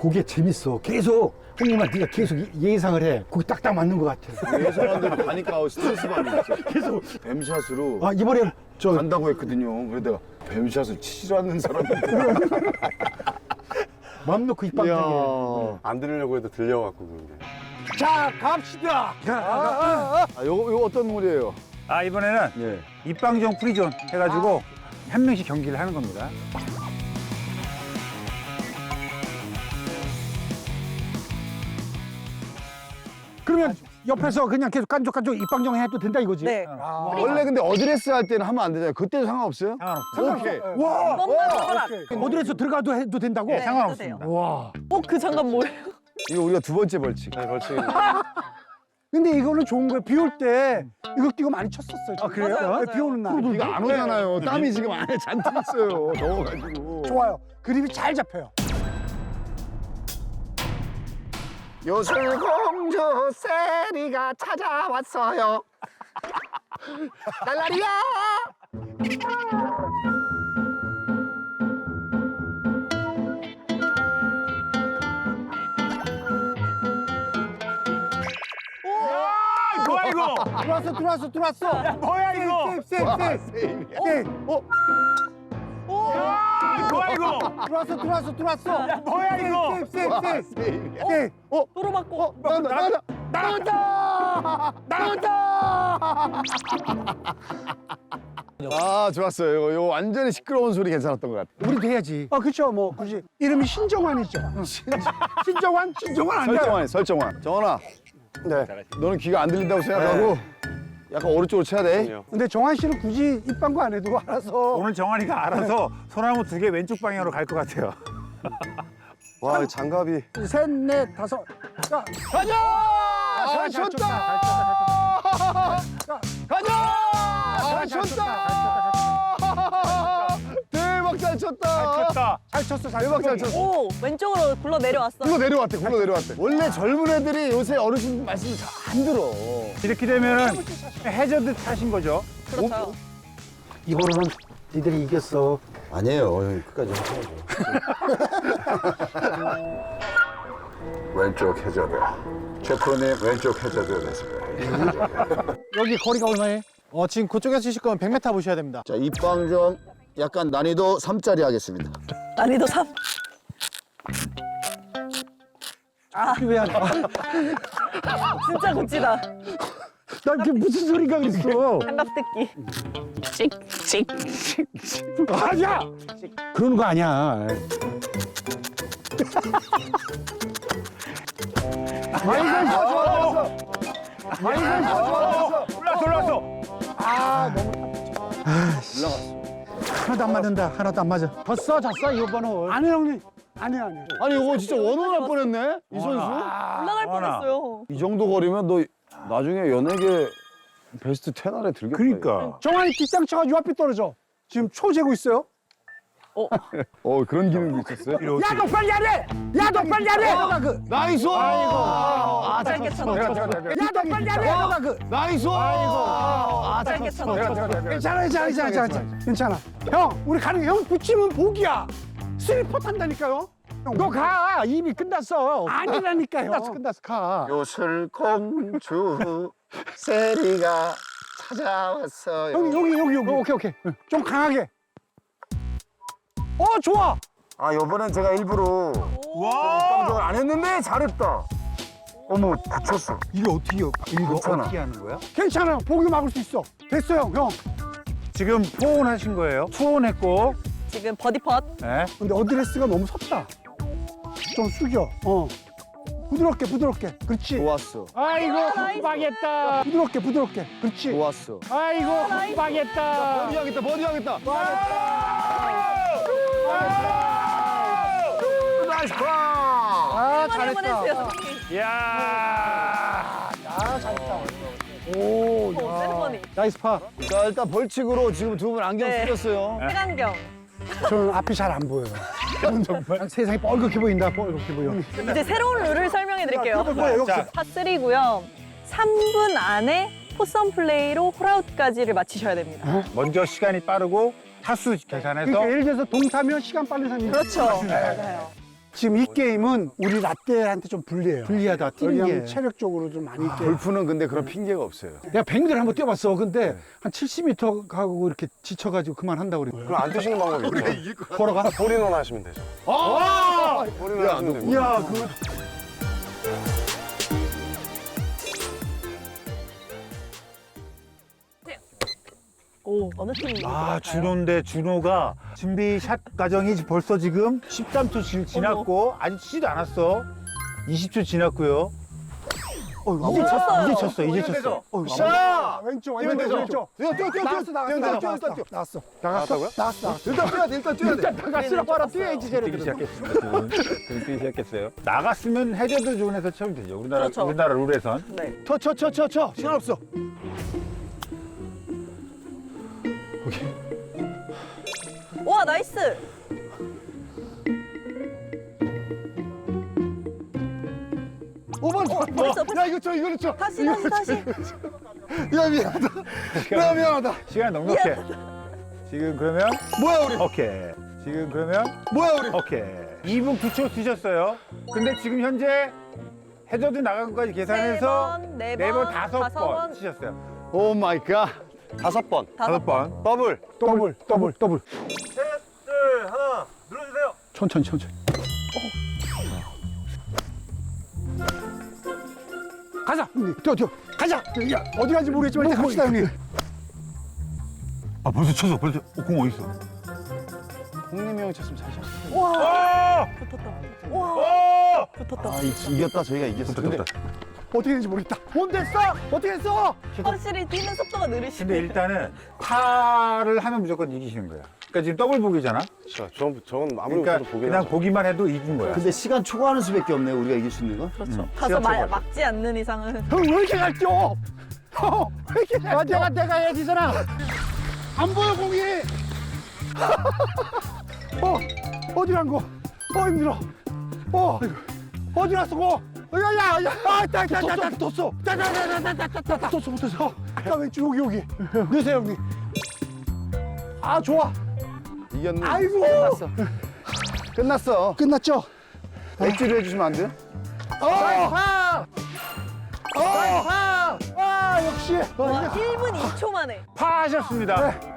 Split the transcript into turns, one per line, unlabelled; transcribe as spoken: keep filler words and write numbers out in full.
그게 재밌어. 계속 형님아 네가 계속 이- 예상을 해. 그게 딱딱 맞는 것 같아.
예상한 대로 가니까 스트레스 받는 거죠.
계속
뱀샷으로
아 이번에 저
간다고 했거든요. 그래서 내가 뱀샷을 치지 않는 사람인데.
맘 놓고 입방정해.
이야.
안 들으려고 해도 들려갖고 그런 게.
자 갑시다.
아, 요거, 요거 어떤 물이에요?
아 이번에는
예.
입방정 프리존 해가지고 한 명씩 경기를 하는 겁니다.
그러면 옆에서 그냥 계속 깐족깐족 입방정 해도 된다 이거지?
네.
아,
원래 근데 어드레스 할 때는 하면 안 되잖아요. 그때도 상관없어요?
상관없습니다.
오케이.
와.
뻔만 허락.
어디에서 들어가도 해도 된다고?
네,
네,
상관없습니다.
와.
어, 그 장갑 뭐예요?
이거 우리가 두 번째 벌칙.
네, 벌칙.
근데 이거는 좋은 거야. 비 올 때 이거 끼고 많이 쳤었어요. 아
그래요? 맞아요, 맞아요.
비 오는 날.
비가 안 오잖아요. 땀이 지금 안에 잔뜩 있어요. 더워가지고.
좋아요. 그립이 잘 잡혀요.
요술공주 세리가 찾아왔어요. 날라리야.
뭐야 이거?
들어왔어, 들어왔어, 들어왔어. 야,
뭐야 이거?
세이프, 세이프, 세이프. 세이프.
뭐야 이거?
들어왔어, 들어왔어, 들어왔어.
뭐야 이거?
세이프, 세이프, 세이프. 세이프. 어,
도로 맞고.
나온다, 나온다.
나온다! 나온다!
아, 좋았어요. 이거, 이거 완전히 시끄러운 소리 괜찮았던 것 같아.
우리도 해야지. 아, 그렇죠. 뭐 굳이 이름이 신정환이죠. 신정환? 신정환 아니야.
설정환이, 설정환. 정원아. 네. 너는 귀가 안 들린다고 생각하고 약간 오른쪽으로 쳐야 돼.
근데 정환 씨는 굳이 입방구 안 해도 알아서.
오늘 정환이가 알아서 소나무 두 개 왼쪽 방향으로 갈 것 같아요.
와, 이 장갑이.
셋, 넷, 다섯. 자, 가자!
아,
잘
쳤다!
자,
가자! 잘
잘
쳤다! 대박 잘 쳤다!
쳤다.
잘 쳤어, 잘
대박 잘
쳤어.
쳤어.
오, 왼쪽으로 굴러 내려왔어.
굴러 내려왔대, 굴러 내려왔대. 원래 젊은 애들이 요새 어르신 말씀을 잘 안 들어.
이렇게 되면은 해저드 타신 거죠?
그렇죠.
이번에는 니들이 이겼어.
아니에요. 형 끝까지 하셔야죠.
왼쪽 해저드. 최프로님 왼쪽 해저드 됐습니다.
여기 거리가 얼마에?
어, 지금 그쪽에서 치실 거면 백 미터 보셔야 됩니다.
자, 입방정 약간 난이도 삼짜리 하겠습니다.
난이도 삼.
왜 안 해?
진짜 고치다.
나 이게 무슨 소리가 그랬어?
장갑 뜯기. 찍, 찍.
아니야! 그러는 거 아니야.
아이고, 좋아, 좋아, 아이고, 좋아, 좋아.
올라왔어 올라왔어.
하나도 안 맞는다. 하나도 안 맞아. 졌어, 졌어, 이번은. 아니, 형님. 아니, 아니.
아니, 이거 진짜 원원 할 뻔했네, 이 선수.
올라갈
어머나.
뻔했어요.
이 정도 거리면 너 나중에 연예계 베스트 텐 안에 들겠다.
그러니까.
정환이 뒷땅 쳐가지고 앞에 떨어져. 지금 초 재고 있어요.
어, 그런 기능도 있었어요?
야, 너 빨리 안 해! 야, 너 빨리 안 해! 너가 그.
나이스! 아이고. 아,
짧게 쳤어.
야, 너 빨리 안 해! 너가 그.
나이스! 아이고.
짧게 쳤어.
괜찮아, 괜찮아, 괜찮아, 괜찮아. 괜찮아. 형, 우리 가는 게 형 붙이면 복이야. 슬리퍼 탄다니까요. 너 가. 이미 끝났어. 아니라니까요. 끝났어, 끝났어. 가.
요술공주 세리가 찾아왔어요.
여기, 여기, 여기, 여기. 오케이, 오케이. 좀 강하게. 어, 좋아.
아, 요번엔 제가 일부러
와.
방송을 안 했는데 잘했다. 어머, 다쳤어.
이거 어떻게, 이거
괜찮아.
어떻게 하는 거야? 괜찮아. 복이 막을 수 있어. 됐어요, 형.
지금 포온 하신 거예요? 투온 했고.
지금 버디 펫.
네.
근데 어드레스가 너무 섰다. 좀 숙여. 어. 부드럽게, 부드럽게. 그렇지.
좋았어.
아이고,
나이스.
망했다. 부드럽게, 부드럽게. 그렇지.
좋았어.
아이고, 망했다.
버디 하겠다, 버디 하겠다. 나이스 파!
아,
한번
잘했다.
해주세요.
이야.
아, 잘했다. 오,
오, 세리머니.
나이스 파.
자, 일단 벌칙으로 지금 두 분 안경
네.
쓰셨어요.
색안경.
저는 앞이 잘 안 보여요. 정말 세상이 뻘겋게 보인다, 뻘겋게 보여.
이제 새로운 룰을 설명해 드릴게요.
뭐예요?
자,
파쓰리고요. 삼 분 안에 포선 플레이로 홀아웃까지를 마치셔야 됩니다.
먼저 시간이 빠르고 타수 계산해서
그러니까 예를 들어서 동타면 시간 빠른 사람이
그렇죠. 맞아요.
지금 이 게임은 우리 라떼한테 좀 불리해요.
불리하다, 뛰는
왜냐면
게.
체력적으로 좀 많이 있게.
골프는 근데 그런 핑계가 없어요.
내가 백 미터를 한번 뛰어봤어. 근데 한 칠십 미터 가고 이렇게 지쳐가지고 그만한다고 그래.
그럼 안 뛰시는 방법이 있죠.
걸어가?
홀인원 하시면 되죠.
아!
홀인원 하시면 됩니다.
야, 그거.
오, 어느 팀이
아, 준호인데 준호가 준비 샷 과정이 벌써 지금 십삼 초 지, 지났고 아직 치지도 않았어. 이십 초 지났고요.
어,
이제 쳤어,
쳤어요.
이제 쳤어, 이제 쳤어.
어,
자!
왼쪽,
뛰면
왼쪽,
되죠?
왼쪽.
뛰어, 뛰어, 뛰어,
나왔어, 나왔어,
뛰어,
나왔어,
뛰어,
나왔어,
뛰어, 뛰어.
나왔어.
나갔다고요?
나왔어, 나왔어.
일단 뛰어야 돼, 일단 뛰어야 돼.
일단 나갔으라고 알아. 뛰어야지,
뛰기
쟤네들은.
시작했습니다. 지금 지금 뛰기 시작했어요. 나갔으면 해저드 존에서 치면 되죠. 우리나라
그렇죠.
우리나라 룰에선.
네.
쳐, 쳐, 쳐, 쳐, 쳐. 시간 없어.
와, 나이스.
오 번,
어, 벌써, 벌써.
야, 이거 쳐, 이거 쳐.
다시, 다시, 다시.
야, 미안하다. 야, 미안하다.
시간 넉넉해. 지금 그러면
뭐야, 우리?
오케이. 지금 그러면
뭐야, 우리?
오케이. 이 분 구 초 쓰셨어요. 근데 지금 현재 해저드 나간 것까지 계산해서
세 번, 네
네 번,
번,
다섯
다섯
번
번.
치셨어요.
오 마이 갓.
다섯 번.
다섯 번.
더블.
더블, 더블, 더블.
둘, 하나, 눌러주세요.
천천히, 천천히. 가자, 형님. 뛰어, 뛰어. 가자. 야, 어디 가는지 모르겠지만 일단 갑시다, 형님.
아, 벌써 쳤어. 벌써 어, 공 어디 있어?
홍림이 형이 쳤으면 잘 쳤어.
와,
오!
붙었다. 와,
오!
붙었다.
아, 이- 이겼다, 저희가 이겼어. 근데
어떻게 됐는지 모르겠다. 뭔 됐어? 어떻게 됐어?
확실히 뛰는 속도가 느리시네.
근데 일단은 파를 하면 무조건 이기시는 거야. 그러니까 지금 더블 보기잖아.
저, 저, 저건 아무리
그러니까
못해도 보긴
그냥
하죠.
보기만 해도 이긴 거야.
근데 시간 초과하는 수밖에 없네, 우리가 이길 수 있는 건.
그렇죠.
음,
가서
시간
마,
초과.
막지 않는 이상은.
형, 왜 이렇게 잘 뛰어? 형, 왜 이렇게 잘 뛰어? 내가, 내가 해야 되잖아. 안 보여, 공이. 어, 어디 간 거? 어, 힘들어. 어, 어디 갔어, 고? 야, 야, 야, 아, 따, 따, 따, 따, 떴어. 따, 따, 따, 따, 따, 따, 따, 따, 떴어, 떴어. 아까 왼쪽, 여기, 여기. 넣으세요, 형님. 아, 좋아.
이겼네.
아이고.
끝났어. 끝났어.
끝났죠?
맥주를 해주시면 안 돼요?
어, 파! 어, 파! 아, 역시. 어,
와,
이게
일 분 이 초 만에.
파 하셨습니다.
네.